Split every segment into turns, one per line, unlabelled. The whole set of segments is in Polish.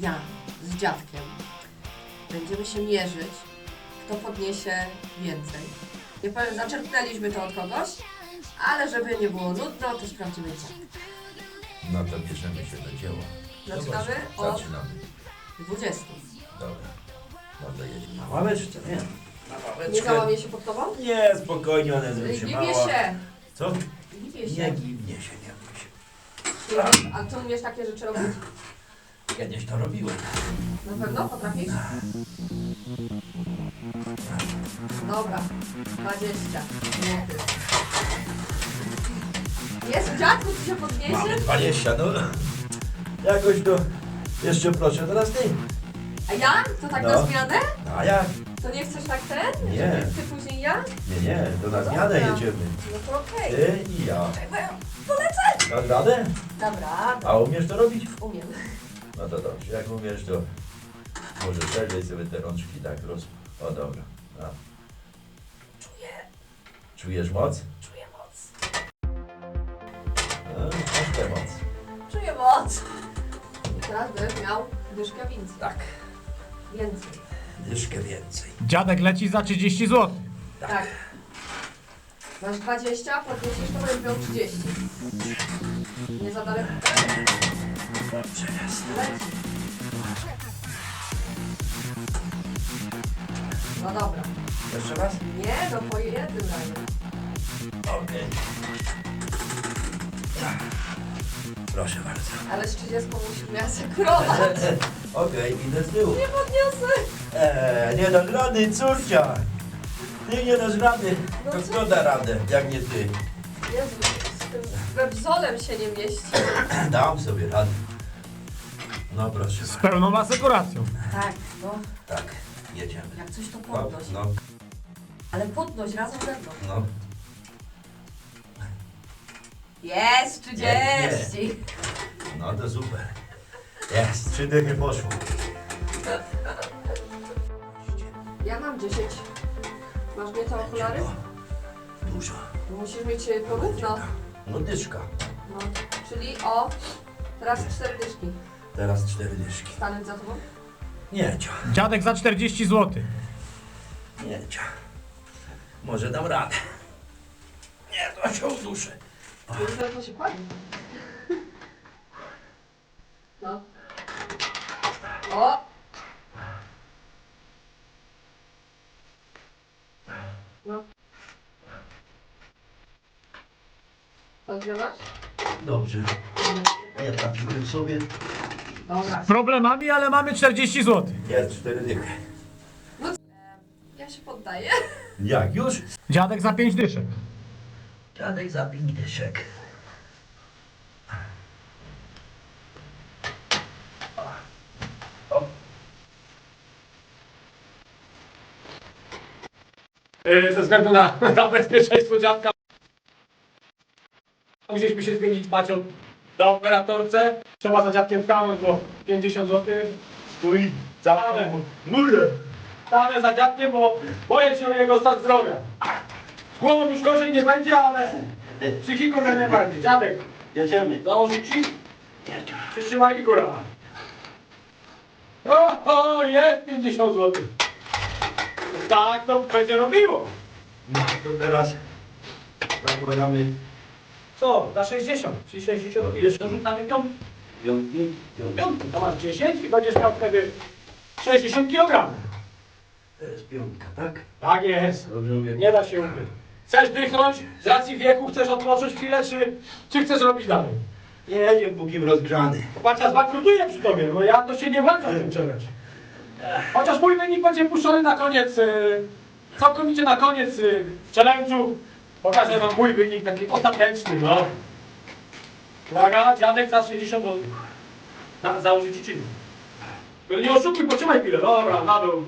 ja z dziadkiem będziemy się mierzyć, kto podniesie więcej. Nie powiem, zaczerpnęliśmy to od kogoś, ale żeby nie było nudno, to sprawdzimy co.
No to bierzemy się do dzieła.
Zaczynamy od
Zaczynamy.
20.
Dobra. No to jedziemy.
Na ławeczce, nie. Na
Nie
ławeczkę.
załamie się pod tobą?
Nie, spokojnie, one
Ginie
się mała.
się!
Co?
Ginie
Nie
się.
ginie się, nie bój się.
A ty umiesz takie rzeczy robić?
Kiedyś to robiłem.
Na pewno potrafisz? Dobra, 20. Jest dziadku, ty się
Mamy
podniesie?
20, no. Jakoś to... Jeszcze proszę, teraz ty.
A ja? To tak
No.
na zmianę?
A jak?
To nie chcesz tak ten?
Nie.
Ty później ja?
Nie, to na zmianę
Dobra.
jedziemy.
No to okej.
Ty i ja.
Polecę!
Dasz radę?
Dobra,
A umiesz to robić?
umiem.
No to dobrze, jak umiesz to... Może szerzej sobie te rączki tak O dobra. No.
Czuję,
Czujesz moc?
czuję moc.
No, masz tę moc.
Czuję moc. Teraz będziesz miał dyszkę więcej.
Tak.
Więcej.
Dyszkę więcej.
Dziadek leci za 30 zł.
Tak. Masz 20, podniesiesz, to będziesz miał 30. Nie za daleko.
Dobrze jest.
Leci. No dobra.
Jeszcze raz?
Nie, no po jednym razie.
Okej. Proszę bardzo.
Ale z 30 musisz mnie asekurować.
Okej, idę z tyłu.
Nie podniosę.
Nie dasz rady, córcia. Ty nie dasz rady.
No
To
co?
kto da radę, jak nie ty?
Jezu, z tym webzolem się nie mieści.
Dam sobie radę. No proszę
Z
bardzo.
pełną asekuracją.
Tak, no.
Tak, jedziemy.
Jak coś to
No,
podnoś.
no,
Ale podnoś razem ze mną.
no.
Jest 30.
No to super. Jest, 3 dychy poszło.
Ja mam 10. Masz mnie te okulary?
Dużo.
Musisz mieć porówno.
No dyszka.
No, czyli o, teraz 4 dyszki.
Teraz 4 dyszki.
Stanąć za tobą?
Nie cia,
Dziadek za 40 zł.
nie cia. Może dam radę. Nie, to się uduszę.
Już to się kładnie. No. O! No. Odgrywasz?
Dobrze. Ja trafiłem sobie.
Dobra.
Z problemami, ale mamy 40 zł.
Jest 4 dychy.
Ja się poddaję.
Jak już?
Dziadek za 5 dyszek.
Dziadek za 5 dyszek.
Ze względu na bezpieczeństwo dziadka musieliśmy się zmienić pacią na operatorce. Trzeba za dziadkiem stanąć, bo 50 zł.
Stój za murę.
Stanę za dziadkiem, bo boję się o jego stan zdrowia. Z głową już gorzej nie będzie, ale psychiką jak najbardziej. Dziadek,
Jedziemy.
założyć ci? Przytrzymaj i góra. O, jest 50 zł. Tak to będzie robiło.
No to teraz zakładamy
Co? Na 60. Czyli 60. Jeszcze rzucamy piątkę.
piątki.
Piątkę. To masz 10 i będziesz miał wtedy 60 kg.
To jest piątka, tak?
Tak jest.
Dobrze mówię.
Nie da się ukryć. Chcesz dychnąć? Z racji wieku chcesz odpocząć chwilę, czy chcesz robić dalej?
Jedzie póki rozgrzany.
Patrz, ja zbankrutuję przy tobie, bo ja to się nie włączam w tym challenge. Chociaż mój wynik będzie puszczony na koniec, całkowicie na koniec challenge'u. Pokażę wam mój wynik taki ostateczny, no. Uwaga, dziadek za 60 zł. Założyć ci czynnik. Tylko nie oszukuj, potrzymaj chwilę. Dobra, na dół.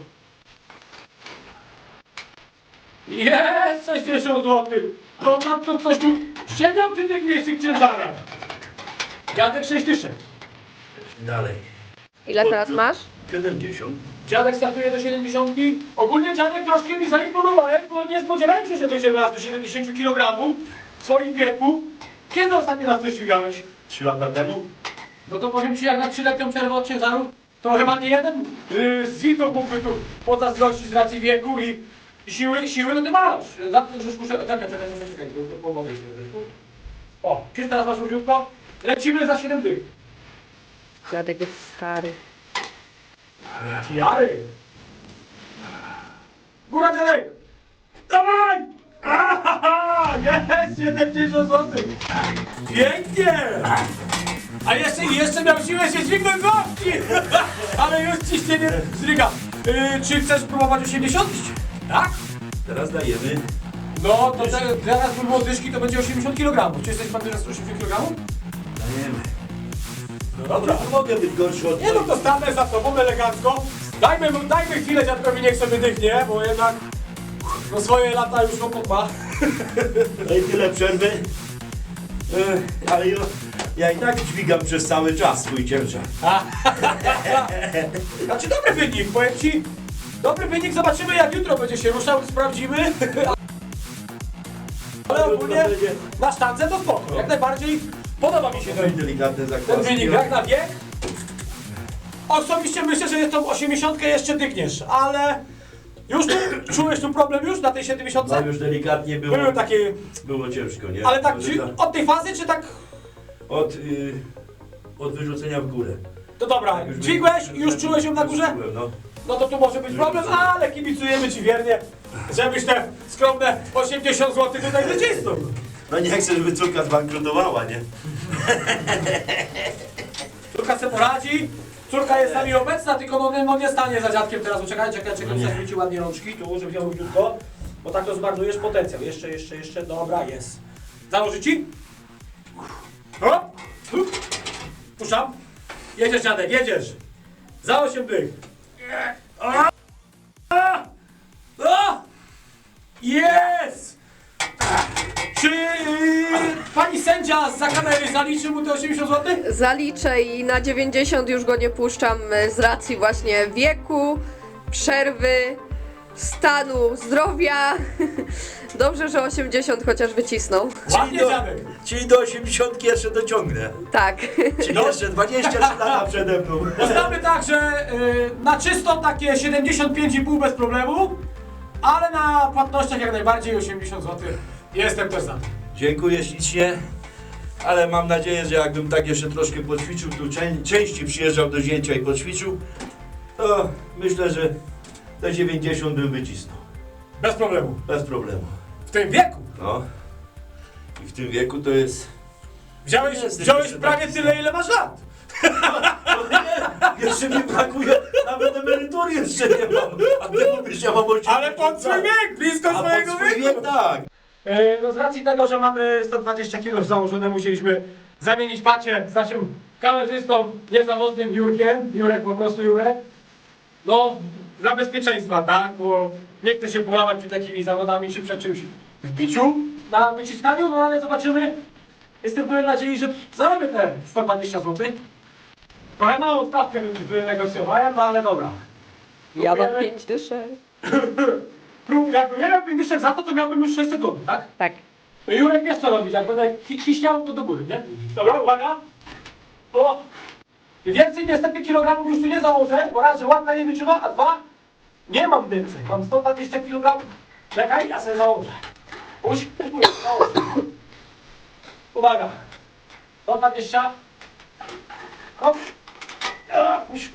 Jest 60 zł. To na to coś tu siedział przy tych miejscach ciężarach. Dziadek 6 dyszek.
Dalej.
Ile teraz masz?
70.
Dziadek startuje do 70. Ogólnie dziadek troszkę mi zaimponowałeś, bo nie spodziewałem się, że dojdzie raz do 70 kg w swoim wieku. Kiedy ostatni raz to ścigałeś?
3 lata temu.
No to powiem ci, jak na 3-letnią przerwę od ciężaru, to chyba nie jeden z widzów mógłby tu pozazdrościć z racji wieku i siły, no ty masz. Za to, że muszę... Czekaj, to pomogę ci. O, czy teraz masz różniutko? Lecimy za 7 dych.
Dziadek jest stary.
Jary! Góra dziadek! Dawaj! Ahaha! Jest 70 zł! Pięknie! A jeszcze miał siłę się dźwignąć z łapki! Ale już ciśnienie zryga. Czy chcesz próbować 80? Tak?
Teraz dajemy.
No to teraz by było dyszki, to będzie 80 kg. Czy jesteś pan teraz 80 kg?
Dajemy.
No dobra.
Nie mogę być gorszy od
Nie no to stanę za tobą elegancko. Dajmy chwilę dziadkowi, niech sobie dychnie, bo jednak no swoje lata już chłopak ma.
No i tyle przerwy. Ale ja i tak dźwigam przez cały czas swój ciężar.
Znaczy dobry wynik, powiem ci. Dobry wynik, zobaczymy jak jutro będzie się ruszał, sprawdzimy. Ale ogólnie na sztance to spoko, jak najbardziej podoba mi się
No i
ten
delikatne
wynik,
zakwaski.
jak na wiek. Osobiście myślę, że jest tą 80 jeszcze dygniesz, ale już tu, czułeś tu problem już na tej 70?
No już delikatnie było.
Były takie,
Było ciężko, nie?
ale tak
Może
od tej fazy czy tak,
od wyrzucenia w górę.
to dobra,
Tak, już
dźwigłeś i już czułeś ją na
już
górze?
czułem, no.
No to tu może być problem, ale kibicujemy ci wiernie, żebyś te skromne 80 zł tutaj wycisnął.
No nie chcę, żeby córka zbankrutowała, nie?
Córka se poradzi, córka jest z nami obecna, tylko no nie stanie za dziadkiem teraz, czekaj,
No nie.
zaświeci ładnie rączki, tu, żeby miał równiutko, bo tak to zmarnujesz potencjał. Jeszcze, dobra, jest. Założy ci? O! Puszczam. Jedziesz dziadek, jedziesz. Za 8 dych. Jest! Czy pani sędzia za kamery zaliczy mu te 80 zł?
Zaliczę i na 90 już go nie puszczam z racji właśnie wieku, przerwy, stanu zdrowia. Dobrze, że 80 chociaż wycisnął.
Ładnie dziadek.
Czyli do 80 jeszcze dociągnę.
Tak.
Czyli jeszcze 23 lata przede mną.
Poznamy tak, że na czysto takie 75,5 bez problemu, ale na płatnościach jak najbardziej 80 zł. Jestem też za tym.
Dziękuję ślicznie, ale mam nadzieję, że jakbym tak jeszcze troszkę poćwiczył, tu częściej przyjeżdżał do zięcia i poćwiczył, to myślę, że te 90 bym wycisnął.
Bez problemu.
Bez problemu.
W tym wieku.
No. I w tym wieku to jest...
Wziąłeś
Jesteś
prawie
taki
tyle, ile masz lat.
Jeszcze mi brakuje, nawet emerytury jeszcze nie mam. A ty mówisz, ja mam 80
Ale pod swój wiek, blisko
A pod
swojego
swój
wieku.
wiek tak.
No z racji tego, że mamy 120 kg założone, musieliśmy zamienić pacie z naszym kamerzystą niezawodnym Jurkiem. Jurek, po prostu Jurek. No, dla bezpieczeństwa, tak? Bo nie chce się połamać przed takimi zawodami czy przed czymś w biciu na wyciskaniu, no ale zobaczymy. Jestem pełen nadziei, że zarobię te 120 zł. Trochę małą stawkę wynegocjowałem, no ale dobra.
Ja mam
Próbujemy.
5 dyszek.
Jakbym nie miał 50 za to miałbym już 6 sekund, tak?
Tak.
To Jurek wiesz co robić, jak będę kiśniał to do góry, nie? Dobra, uwaga. O! Więcej niestety kilogramów już tu nie założę, bo raz, że ładna nie wytrzyma, a dwa, nie mam więcej. Mam 120 kg. Czekaj, ja sobie założę. Puść, założę. Uwaga. 120. Hop. Puść.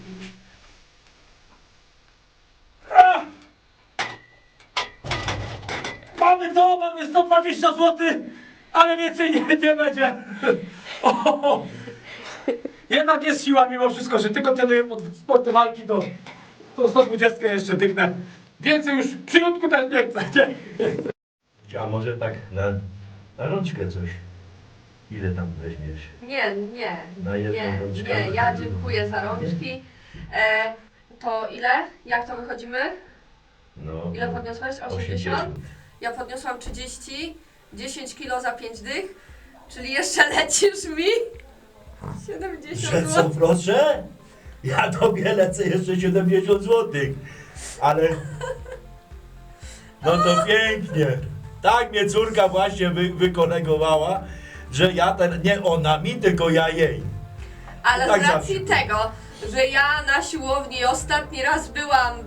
Mamy to, mamy 120 zł, ale więcej nie będzie. O, jednak jest siła mimo wszystko, że tylko trenuję pod sporty walki, to 120 jeszcze dygnę. Więcej już przyjątku też nie chcę. Nie?
A może tak na rączkę coś? Ile tam weźmiesz?
Nie.
Na jedną rączkę?
Ja dziękuję za rączki. To ile? Jak to wychodzimy?
No,
Ile podniosłeś? 80? Ja podniosłam 30, 10 kg za 5 dych, czyli jeszcze lecisz mi 70
Że co,
zł.
proszę? Ja tobie lecę jeszcze 70 zł. Ale... No to pięknie. Tak mnie córka właśnie wykolegowała, że ja nie ona mi, tylko ja jej.
Ale
Tak
z racji
zawsze.
tego, że ja na siłowni ostatni raz byłam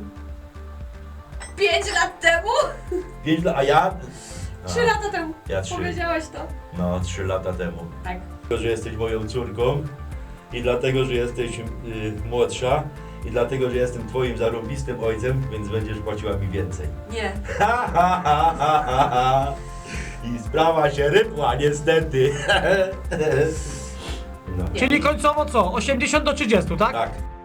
5 lat temu?
5 lat, a ja?
3 lata temu.
Ja 3.
Powiedziałeś to?
No, 3 lata temu.
Tak.
Dlatego, że jesteś moją córką i dlatego, że jesteś młodsza i dlatego, że jestem twoim zarobistym ojcem, więc będziesz płaciła mi więcej.
Nie.
I sprawa się rypła, niestety. No.
Czyli końcowo co? 80 do 30, tak?
Tak.